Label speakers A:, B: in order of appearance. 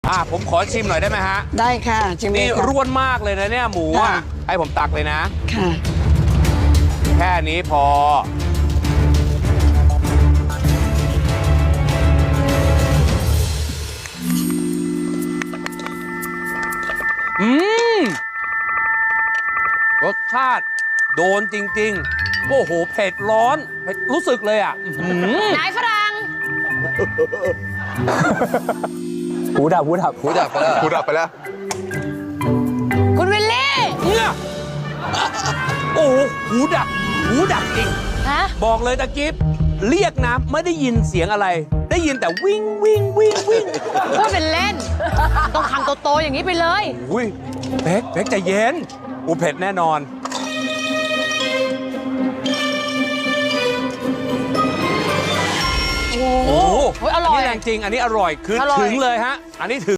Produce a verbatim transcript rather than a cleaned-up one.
A: อ่าผมขอชิมหน่อยได้ไหมฮะ
B: ได้ค่ะชิมเลย
A: นี่
B: ค่ะ
A: ร่วนมากเลยนะเนี่ยหมูอ่ะ
B: ค่ะ
A: ให้ผมตักเลยนะ
B: ค่ะ
A: แค่นี้พออืมรสชาติโดนจริงๆ โอ้โห เผ็ดร้อนเผ็ดรู้สึกเลยอ่ะอื้อหือน
C: ายฝรั่ง
D: หูดับหูดับ
E: หูดับไปแล้ว
F: พูดออกไปแล้ว
C: คุณวิลลี่
A: เนี่ยโอ้โห หูดับ หูดับจริง
C: ฮะ
A: บอกเลยตะกิฟเรียกนะไม่ได้ยินเสียงอะไร ได้ยินแต่วิ่งวิ่งวิ่งวิ่ง
C: พูดเป็นเล่น ต้องคำโตๆอย่างนี้ไปเลย
A: อุ้ยเป๊กเป๊กใจเย็นอูเผ็ดแน่นอนโอ้โห
C: โอ้ยอร่อย
A: นนี้แรงจริง อันนี้อร่อยคือ
C: อร่อย
A: ถึงเลยฮะ อันนี้ถึง